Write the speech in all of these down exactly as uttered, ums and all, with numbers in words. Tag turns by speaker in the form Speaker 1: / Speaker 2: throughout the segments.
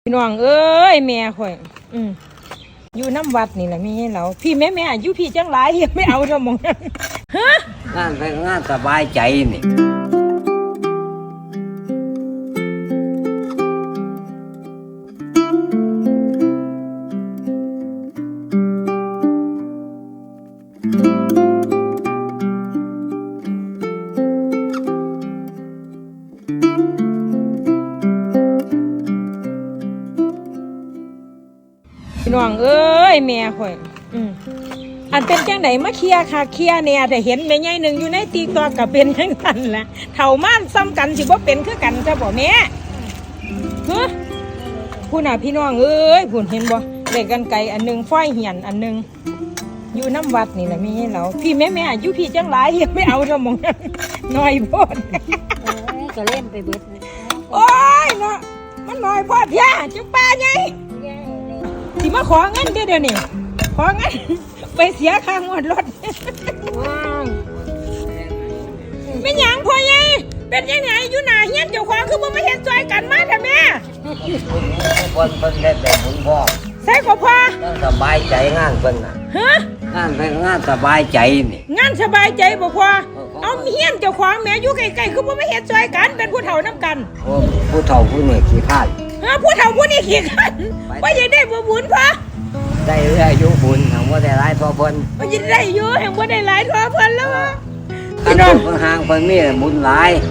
Speaker 1: พี่น้องเอ้ยแม่ข่อยอืมอยู่น้ำวัดนี่แหละมีให้เราพี่แม่แม่อยู่พี่จังหลายยังไม่เอาเท่ามองฮะ
Speaker 2: งานไปงานสบายใจนี่
Speaker 1: พี่น้องเอ้ยแม่ข่อยอืมอันเป็นจังไหนมาเคลียร์ค่ะเคลียร์เนี่ยแต่เห็นแม่ใหญ่หนึ่งอยู่ในตีตัวกับเป็นจังกันแหละเท่าม่านซ้ำกันสิบ่เป็นคือกันจะบอกแม่ฮะพูดน่ะพี่น้องเอ้ยพูดเห็นบ่เด็กกันไก่อันหนึงฝ้ายเหียนอันหนึงอยู่น้ำวัดนี่แหละมีให้เราพี่แม่แม่อยู่พี่จังหลายยังไม่เอาเท่ามองน้อยโพด
Speaker 3: ก็เล่นไปเบิด
Speaker 1: โอ้ยเนาะมันน้อยโพดย่าจังป้าไงสิมาขอเงินเดี๋ยวเดี๋ยวนี้ขอเงินไปเสียค่างวดรถไม่หยังพ่อไงเป็นยังไงอยู่หน้าเฮียนเจ้าของคือบ่มาเห็นซอยกันมาแต่แม่
Speaker 2: คนเพิ่นได้แต่บุญพ่อ
Speaker 1: ใส่ก็พอ
Speaker 2: ต้องสบายใจงานเพิ่นน่ะ
Speaker 1: ฮะ
Speaker 2: งานไปงานสบายใจนี่
Speaker 1: งานสบายใจบ่พอเอาเฮียนเจ้าของแม่อยู่ใกล้ๆคือบ่มาเห็นซอยกันเป็นผู้เฒ่านำกัน
Speaker 2: โอ้ผู้เฒ่าผู้นี่ขี้ข้าน
Speaker 1: ฮะผู้เฒ่าผู้นี่ขี้ข้านบ่ยังได้บ่บุญพอ
Speaker 2: ได้เรื่อยอยู่บุญทำบ่ได้หลายพอเพิ่น
Speaker 1: บ่ยังได้อยู่แห่งบ่ได้หลายพอเพิ่นแล้วว่า
Speaker 2: พี่น้องเพิ่นห่างเพิ่นมีบุญหลาย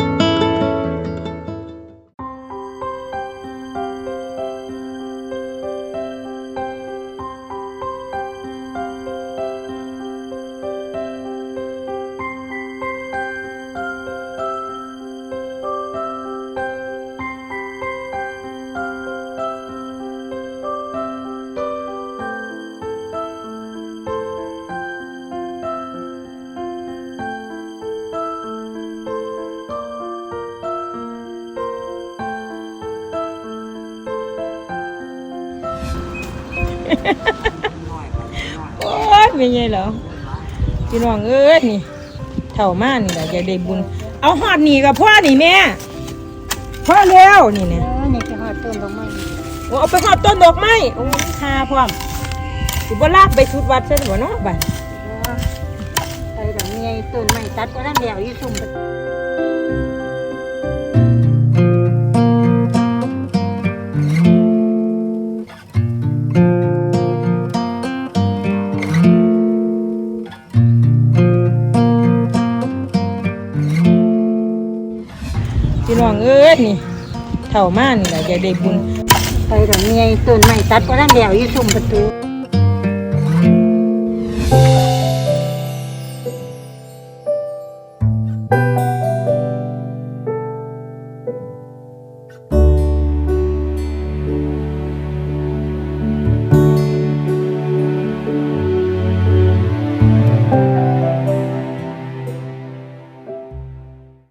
Speaker 1: โอ้ยไม่ใช่เหรอพี่น้องเอ้ยนี่เท่ามานี่แหละจะได้บุญเอาหอดนี่กับพ่อนี่แม่พ่อแล้วนี่เนี่ย
Speaker 3: นี่จะหอดต้นดอกไม้
Speaker 1: เอาไปหอดต้นดอกไม้โอ้คาพร้อมสิบ่ลากไปชุดวัดใช่ไหมเนาะบ้าน
Speaker 3: ไอ้ดอกนี้ต้นไม้ตัดก็นั่นเดียวอยู่ซุ่ม
Speaker 1: พี่น้องเอ้ยนี่เท่ามานี่แหละจะได้บุญ
Speaker 3: ไอ้ดอกนี้ต้นไม้ตัดก็นั่นเดียวอยู่ซุ่มประตู